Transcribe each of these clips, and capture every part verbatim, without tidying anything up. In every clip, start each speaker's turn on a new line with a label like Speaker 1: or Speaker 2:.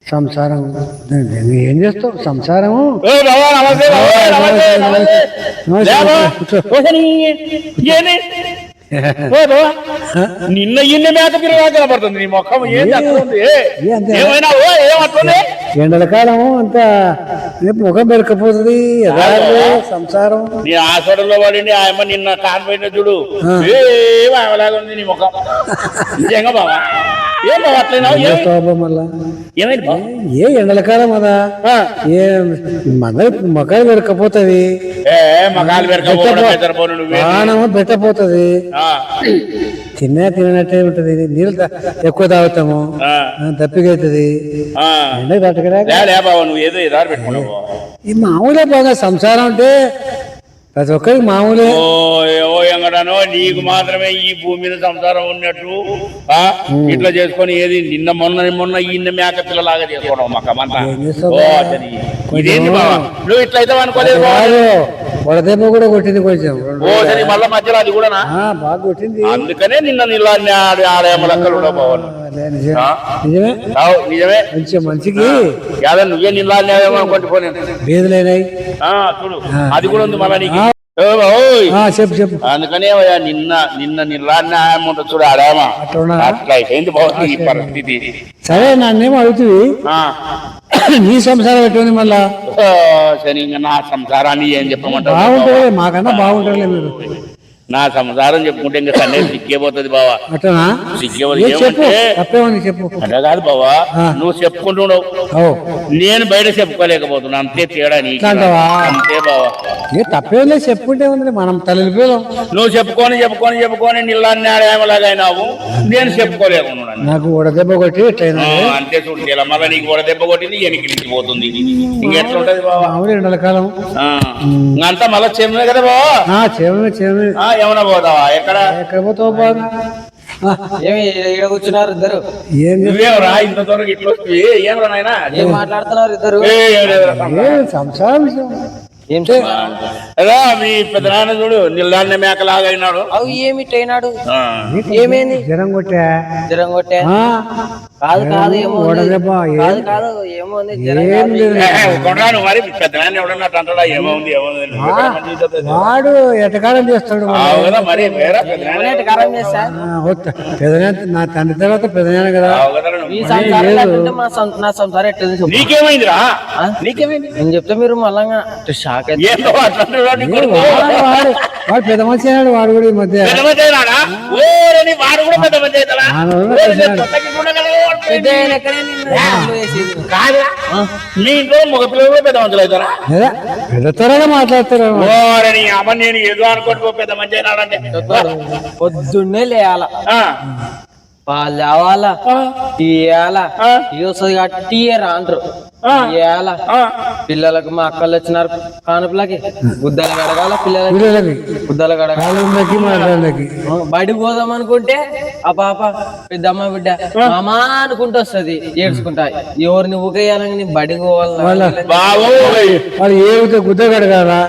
Speaker 1: సంసారం ఏం చేస్తావు సంసారము
Speaker 2: నిన్న ఇన్న మేక పిల్లగా కనపడుతుంది నీ ముఖం ఏమంటుంది
Speaker 1: ఎండల కాలము అంత ముఖం పెరకపోతుంది సంసారం
Speaker 2: నీ హాస్పిటల్లో పడింది ఆయమ్మ నిన్న కాన్పోయిన చూడు ఏం ఆమెలాగా ఉంది నీ ముఖం నిజంగా బాబా ఏం బాబా అట్లయినా
Speaker 1: మళ్ళా
Speaker 2: ఏమైంది
Speaker 1: ఏ ఎండల కాలం అదా ఏ మన మొఖాలు పెరకపోతుంది
Speaker 2: మగాలు
Speaker 1: ప్రాణము పెట్టపోతుంది తిన్నా తినట్టే ఉంటది నీళ్ళు ఎక్కువ తాగుతాము తప్పికైతుంది ఎండకు తట్టుకరా
Speaker 2: నువ్వు ఏదో ఎదారు పెట్టుకున్నావు
Speaker 1: ఈ మామూలే బాగా సంసారం అంటే ప్రతి ఒక్కరికి మామూలే
Speaker 2: ఓ ఎంగడానో నీకు మాత్రమే ఈ భూమి మీద సంసారం ఉన్నట్టు ఇట్లా చేసుకొని ఏది నిన్న మొన్న మొన్న ఇన్న మేక పిల్లలాగా చేసుకోవడం మక్కమంతా ఇదేంటి బాబా నువ్వు ఇట్లా అయితే అనుకోలేదు
Speaker 1: వడదెబ్బ కూడా కొట్టింది కొంచెం
Speaker 2: ఓ సరే మళ్ళీ మధ్యలో అది కూడా
Speaker 1: బాగా కొట్టింది
Speaker 2: అందుకనే నిన్న నిల్లాన్ని ఆడే ఆడేమలక్కలు ఉండబోవాలి
Speaker 1: నిజమే
Speaker 2: నిజమే
Speaker 1: మంచి మంచికి
Speaker 2: యాద నువ్వే నిల్లాన్ని కొట్టిపోయి
Speaker 1: బేదులేనాయి
Speaker 2: చూడు అది కూడా ఉంది మళ్ళీ నీకు
Speaker 1: చెప్పు చెప్పు
Speaker 2: అందుకనే నిన్న నిన్న నిల్లాన్ని ఉంటుంది చూడు ఆడామా అట్లా అయిపోయింది బాగుంది ఈ పరిస్థితి
Speaker 1: సరే నన్నేమో అడుగుతుంది నీ సంసారం ఎట్టుంది మళ్ళా
Speaker 2: సరే ఇంకా నా సంసారాన్ని ఏం చెప్పమంటారు
Speaker 1: బాగుంటుంది మాకన్నా బాగుంటుంది మీరు
Speaker 2: నా సంసారం చెప్పుకుంటే ఇంకా సన్నే సిక్కేపోతుంది బావా
Speaker 1: అట్టనా
Speaker 2: సిక్కేపోతుంది చెప్పు అట్లా కాదు బావా నువ్వు చెప్పుకుంటున్నావు నేను బయట చెప్పుకోలేకపోతున్నా అంతే తేడా నీకు అంతే బావా
Speaker 1: తప్పేం లేదు చెప్పుకుంటే ఉంది మనం తల్లిపోయాం
Speaker 2: నువ్వు చెప్పుకొని చెప్పుకొని చెప్పుకొని నిల్లాన్ని ఆడేమలాగా అయినావు నేను చెప్పుకోలేకున్నాను
Speaker 1: నాకు వడదెబ్బ కొట్టి
Speaker 2: అంతే చూడు మళ్ళీ నీకు వడదెబ్బ కొట్టింది ఎనికి నిలిచిపోతుంది ఇంకెట్లుంటది బావా
Speaker 1: ఎండల కాలం
Speaker 2: అంతా మళ్ళీ చెమే కదా బావా
Speaker 1: చెమే చెమే
Speaker 2: ఏమన్నా పోతావా ఎక్కడ
Speaker 1: ఎక్కడ పోతావు బాగా
Speaker 3: ఏమి కూర్చున్నారు ఇద్దరు
Speaker 2: నువ్వేమరా ఇంత దూరం ఇట్లా ఏమరా నాయనా
Speaker 3: ఏం మాట్లాడుతున్నారు ఇద్దరు
Speaker 1: సంసారం
Speaker 3: ఏం
Speaker 2: అదా మీ పెద్దనాన్న చూడు నిల్లాన్న మేకలాగా అయినాడు
Speaker 3: అవి ఏమిటి అయినాడు ఏమైంది
Speaker 1: జ్వరం కొట్టా
Speaker 3: జ్వరం కొట్టా కాదు కాదు ఏమో కాదు కాదు ఏమో
Speaker 2: మరి పెద్దనాన్న ఎవడన్నట్టు అంటాడా ఏమో ఉంది ఏమో
Speaker 1: వాడు ఎటకారం చేస్తాడు
Speaker 2: మరి
Speaker 3: ఎటకారం చేస్తా
Speaker 1: పెదనా నా తండ్రి తర్వాత పెదనాన్న కదా
Speaker 3: నా సంసారం ఎట్లా
Speaker 2: నీకేమైందిరా నీకేమైంది
Speaker 3: నేను చెప్తే మీరు మళ్ళా షాక్
Speaker 1: వాడు పెద్ద మంచి అయినాడు వాడు కూడా ఈ మధ్య
Speaker 2: మీ ఇంట్లో మగ పిల్లలు పెద్ద మంచులు అవుతారా
Speaker 1: పెద్ద త్వరగా మాట్లాడతారు
Speaker 2: అమ్మ నేను ఏదో అనుకోండి పెద్ద మంచి అయినాడంటే
Speaker 3: పొద్దున్నే లేయాల వాళ్ళు లేవాలా ఇయ్యాలా వస్తుంది కాబట్టి అంటారు ఇయ్యాల పిల్లలకు మా అక్కలు వచ్చినారు కానుపులకి గుద్దలు గడగాల పిల్లలకి గుద్దలు గడగాలి బయటకు పోదాం అనుకుంటే ఆ పాప పెద్దమ్మ బిడ్డ మామా అనుకుంటూ వస్తుంది ఏడ్చుకుంటా ఎవరిని ఊకేయాలని బడికి పోవాలి
Speaker 1: గుద్ద గడగాలా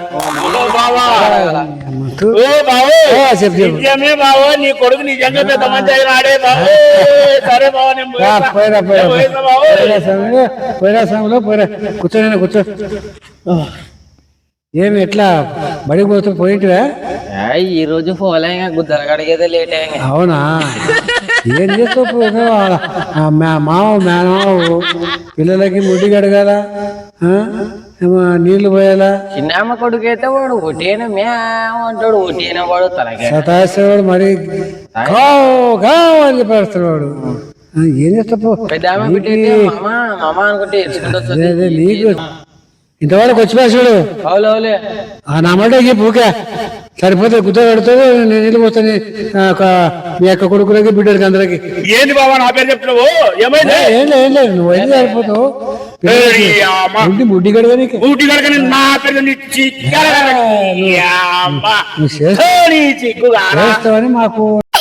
Speaker 2: నీ కొడుకు నిజంగా పెద్ద మంచి అయినాడే బాబు సరే
Speaker 1: పోయినా సమయంలో పోయినా కూర్చోనైనా కూర్చో ఏమి ఎట్లా బడికి పోతూ పోయింటివా
Speaker 3: ఈ రోజు పోలే గుద్దలు కడిగేదే లేట్
Speaker 1: అవునా ఏం చేస్తావు మావ మేనమావు పిల్లలకి ముడ్డి కడగాల నీళ్లు పోయాలా
Speaker 3: చిన్నమ్మ కొడుకు అయితే వాడు ఒటేనా మేమంటాడు ఒటేనా వాడు తలకి
Speaker 1: సతాయిస్తాడు మరి అని చెప్పేస్తాడు వాడు ఏం చేస్తావు నీకు ఇంతవరకు వచ్చిపోయాడు
Speaker 3: అవులవులే
Speaker 1: నా మాట పూకే సరిపోతే గుద్ద కడుతుంది నేను నీళ్ళు పోతాను మీ యొక్క కొడుకులకి బిడ్డలకి అందరికి
Speaker 2: ఏంటి బాబా నా పేరు చెప్తున్నావు ఏమైంది
Speaker 1: ఏం లేదు ఏం లేదు నువ్వు అయితే సరిపోతావు ముడ్డి గడవనికి
Speaker 2: ముడ్డి గడకని నా పేరు
Speaker 1: చేస్తావని మాకు